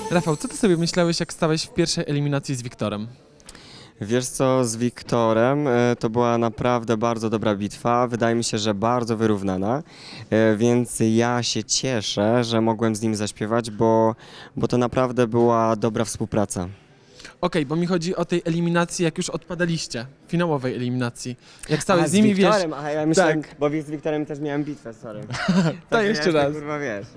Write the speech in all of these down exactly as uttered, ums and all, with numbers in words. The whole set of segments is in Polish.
Rafał, co ty sobie myślałeś, jak stałeś w pierwszej eliminacji z Wiktorem? Wiesz co, z Wiktorem e, to była naprawdę bardzo dobra bitwa, wydaje mi się, że bardzo wyrównana, e, więc ja się cieszę, że mogłem z nim zaśpiewać, bo, bo to naprawdę była dobra współpraca. Okej, bo mi chodzi o tej eliminacji, jak już odpadaliście, finałowej eliminacji. Jak stałeś A, z nimi, wiesz... Wiktorem, aha, ja myślałem, Tak. bo z Wiktorem też miałem bitwę, sorry. To ja jeszcze jestem, raz. Kurwa, wiesz.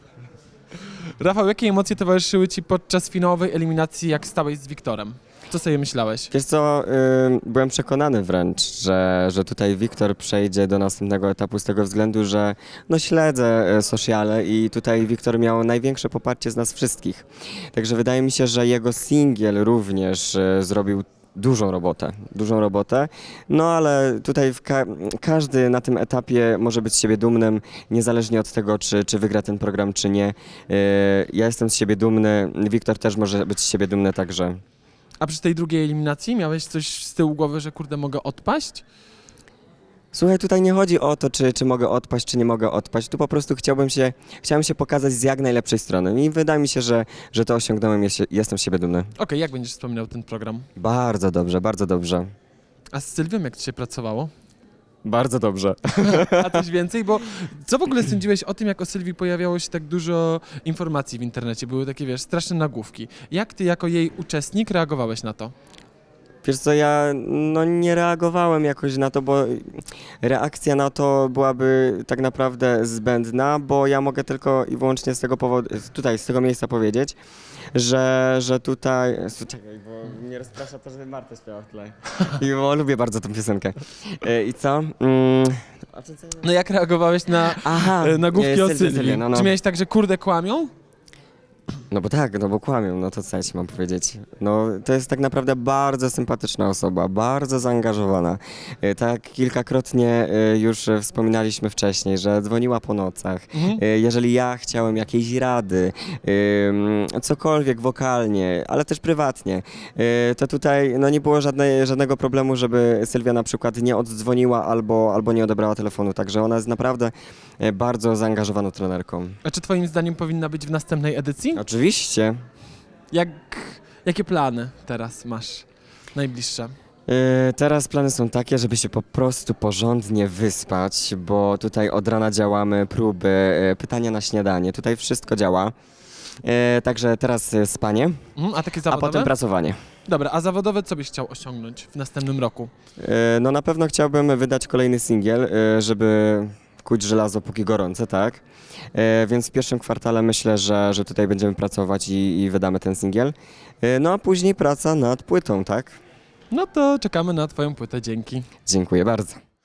Rafał, jakie emocje towarzyszyły ci podczas finałowej eliminacji, jak stałeś z Wiktorem? Co sobie myślałeś? Wiesz co, y, byłem przekonany wręcz, że, że tutaj Wiktor przejdzie do następnego etapu z tego względu, że no śledzę y, sociale i tutaj Wiktor miał największe poparcie z nas wszystkich. Także wydaje mi się, że jego singiel również y, zrobił dużą robotę, dużą robotę, no ale tutaj w ka każdy na tym etapie może być z siebie dumnym, niezależnie od tego, czy, czy wygra ten program, czy nie. Y, ja jestem z siebie dumny, Wiktor też może być z siebie dumny, także... A przy tej drugiej eliminacji miałeś coś z tyłu głowy, że kurde, mogę odpaść? Słuchaj, tutaj nie chodzi o to, czy, czy mogę odpaść, czy nie mogę odpaść. Tu po prostu chciałbym się, chciałem się pokazać z jak najlepszej strony i wydaje mi się, że, że to osiągnąłem, jest, jestem z siebie dumny. Okej, jak będziesz wspominał ten program? Bardzo dobrze, bardzo dobrze. A z Sylwią jak ci się pracowało? Bardzo dobrze. A coś więcej? Bo co w ogóle sądziłeś o tym, jak o Sylwii pojawiało się tak dużo informacji w internecie? Były takie, wiesz, straszne nagłówki. Jak ty jako jej uczestnik reagowałeś na to? Wiesz co, ja no, nie reagowałem jakoś na to, bo reakcja na to byłaby tak naprawdę zbędna, bo ja mogę tylko i wyłącznie z tego powodu, tutaj, z tego miejsca powiedzieć, że, że tutaj... Czekaj, bo mnie rozprasza to, że Marta śpiewa w tle. I bo lubię bardzo tę piosenkę. E, I co? Mm, a czy co? No jak reagowałeś na Aha, e, nagłówki e, o Sylwia, Sylwii? Sylwia, no, no. Czy miałeś tak, że kurde kłamią? No bo tak, no bo kłamią, no to co ja ci mam powiedzieć. No to jest tak naprawdę bardzo sympatyczna osoba, bardzo zaangażowana. E, Tak kilkakrotnie e, już e, wspominaliśmy wcześniej, że dzwoniła po nocach. Mhm. E, Jeżeli ja chciałem jakiejś rady, em, cokolwiek wokalnie, ale też prywatnie, e, to tutaj no nie było żadnej, żadnego problemu, żeby Sylwia na przykład nie oddzwoniła albo, albo nie odebrała telefonu. Także ona jest naprawdę e, bardzo zaangażowaną trenerką. A czy twoim zdaniem powinna być w następnej edycji? Oczywiście. Jak, jakie plany teraz masz najbliższe? Yy, Teraz plany są takie, żeby się po prostu porządnie wyspać, bo tutaj od rana działamy, próby, yy, pytania na śniadanie, tutaj wszystko działa. Yy, Także teraz yy, spanie, Mhm, a takie a zawodowe? potem pracowanie. Dobra, a zawodowe co byś chciał osiągnąć w następnym roku? Yy, No na pewno chciałbym wydać kolejny singiel, yy, żeby kuć żelazo póki gorące, tak? Yy, Więc w pierwszym kwartale myślę, że, że tutaj będziemy pracować i, i wydamy ten singiel. Yy, No a później praca nad płytą, tak? No to czekamy na twoją płytę, dzięki. Dziękuję bardzo.